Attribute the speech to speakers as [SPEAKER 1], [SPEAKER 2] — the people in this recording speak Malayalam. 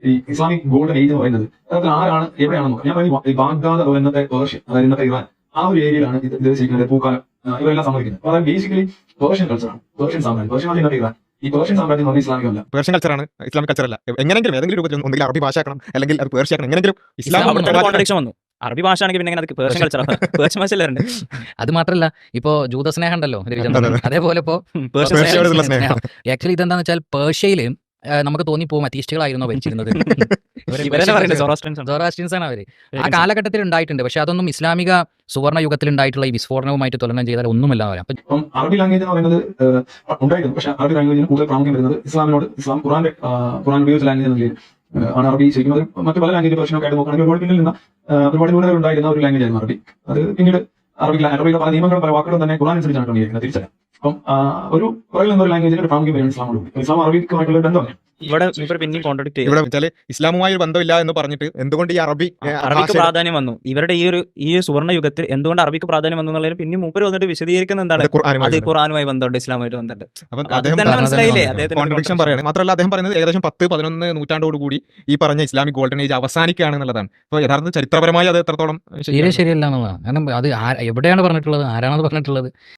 [SPEAKER 1] ഈ ഇസ്ലാമിക് ഗോൾഡൻ ഏജ് എന്ന് പറയുന്നത് അതിൽ ആരാണ് എവിടെയാണെന്ന് നോക്കാം. ഞാൻ പറയുന്നത് ഈ ബാഗ്ദാദ് അഥവാ ഇന്നത്തെ പേർഷ്യ, അതായത് ഇന്നത്തെ ഇറാൻ, ആ ഒരു ഏരിയയിലാണ് ഇത് ശരിക്കും പൂക്കാലം ഇവരെല്ലാം സംഭവിക്കുന്നത്. അതായത് ബേസിക്കലി പേർഷ്യൻ കൾച്ചറാണ്, പേർഷ്യൻ സാമ്രാജ്യം. പേർഷ്യൻ ഇന്നത്തെ ഇറാൻ. ഈ പേർഷ്യൻ സാമ്രാജ്യം എന്ന് പറഞ്ഞാൽ ഇസ്ലാമികമല്ല,
[SPEAKER 2] പേർഷ്യൻ കൾച്ചറാണ്, ഇസ്ലാമിക് കൾച്ചറല്ല. എങ്ങനെങ്കിലും ഏതെങ്കിലും രൂപത്തിൽ ഒന്നുകിൽ അറബി ഭാഷ ആക്കണം, അല്ലെങ്കിൽ അത് പേർഷ്യ ആക്കണം. എങ്ങനെങ്കിലും
[SPEAKER 3] കോൺട്രഡിക്ഷൻ വന്നു. അറബി ഭാഷ ആണെങ്കിൽ പിന്നെ അത് പേർഷ്യൻ കൾച്ചറാണ്, പേർഷ്യൻ ഭാഷയല്ലേ.
[SPEAKER 4] അത് മാത്രമല്ല ഇപ്പോ ജൂതസ്നേഹം ഉണ്ടല്ലോ അതേപോലെ ഇപ്പോ ആക്ച്വലി ഇതെന്താന്ന് വെച്ചാൽ പേർഷ്യയില് നമുക്ക് തോന്നിപ്പോകും അത്തീസ്റ്റുകളായിരുന്നോ ഭരിച്ചിരുന്നത്. സൊറാസ്ട്രിയൻസ് ആണ് അവര്. ആ കാലഘട്ടത്തിൽ ഉണ്ടായിട്ടുണ്ട്, പക്ഷെ അതൊന്നും ഇസ്ലാമിക സുവർണ്ണ യുഗത്തിൽ ഉണ്ടായിട്ടുള്ള ഈ വിസ്ഫോടനവുമായിട്ട് തുലനം ചെയ്താൽ ഒന്നുമല്ല വരാം.
[SPEAKER 1] അപ്പം അറബി ലാംഗ്വേജ് എന്ന് പറയുന്നത് ഉണ്ടായിരുന്നു, പക്ഷെ അറബി ലാംഗ്വേജിന് കൂടുതൽ പ്രാമുഖ്യം വരുന്നത് ഇസ്ലാമിനോട്, ഖുറാൻ ഉപയോഗിച്ച ലാംഗ്വേജ് എന്ന ആണ് അറബി. ശരിക്കും അത് മറ്റു പല ലാംഗ്വേജ് പ്രശ്നമൊക്കെ ആയിട്ട് നോക്കുകയാണെങ്കിൽ ഒരുപാട് പിന്നിൽ നിന്ന് ഒരുപാട് ന്യൂനതകൾ ഉണ്ടായിരുന്ന ഒരു ലാംഗ്വേജ് ആയിരുന്നു അറബി. അത് പിന്നീട് അറബിയുടെ പല നിയമങ്ങളും പല വാക്കുകളും തന്നെ ഖുറാൻ അനുസരിച്ചാണ് ക്രമീകരിക്കുന്നത്, തിരിച്ചറിയാം. അപ്പം ഒരു പുറകിൽ നിന്നൊരു ലാംഗ്വേജിന് ഒരു പ്രാമുഖ്യം വരും ഇസ്ലാമോട്. ഇസ്ലാം അറബിക്കുമായിട്ടുള്ള ഒരു ബന്ധമാണ്.
[SPEAKER 3] ഇവിടെ പിന്നെയും കോൺട്രാക്ട് ചെയ്യും.
[SPEAKER 2] ഇവിടെ വെച്ചാൽ ഇസ്ലാമുമായി ഒരു ബന്ധമില്ല എന്ന് പറഞ്ഞിട്ട് എന്തുകൊണ്ട് ഈ
[SPEAKER 3] അറബിക്ക് പ്രാധാന്യം വന്നു? ഇവരുടെ ഈ സുവർണ്ണ യുഗത്തിൽ എന്തുകൊണ്ട് അറബിക്ക് പ്രാധാന്യം വന്നു എന്നുള്ളതിന് പിന്നെ മൂപ്പര് വന്നിട്ട് വിശദീകരിക്കുന്ന എന്താണ്? അത് ഖുർആനുമായി ബന്ധമുണ്ട്, ഇസ്ലാമുമായിട്ട് ബന്ധമുണ്ട്. മനസ്സിലായില്ലേ?
[SPEAKER 2] കോൺട്രഡിക്ഷൻ പറയുന്നത് മാത്രമല്ല, അദ്ദേഹം പറയുന്നത് ഏകദേശം 10-11 നൂറ്റാണ്ടോടുകൂടി ഈ പറഞ്ഞ ഇസ്ലാമിക് ഗോൾഡൻ ഏജ് അവസാനിക്കുകയാണ് എന്നുള്ളതാണ്. അപ്പോൾ യഥാർത്ഥ ചരിത്രപരമായി അത് എത്രത്തോളം
[SPEAKER 4] ശരിയല്ല എന്നുള്ളതാണ്. കാരണം അത് എവിടെയാണ് പറഞ്ഞിട്ടുള്ളത്, ആരാണത് പറഞ്ഞിട്ടുള്ളത്?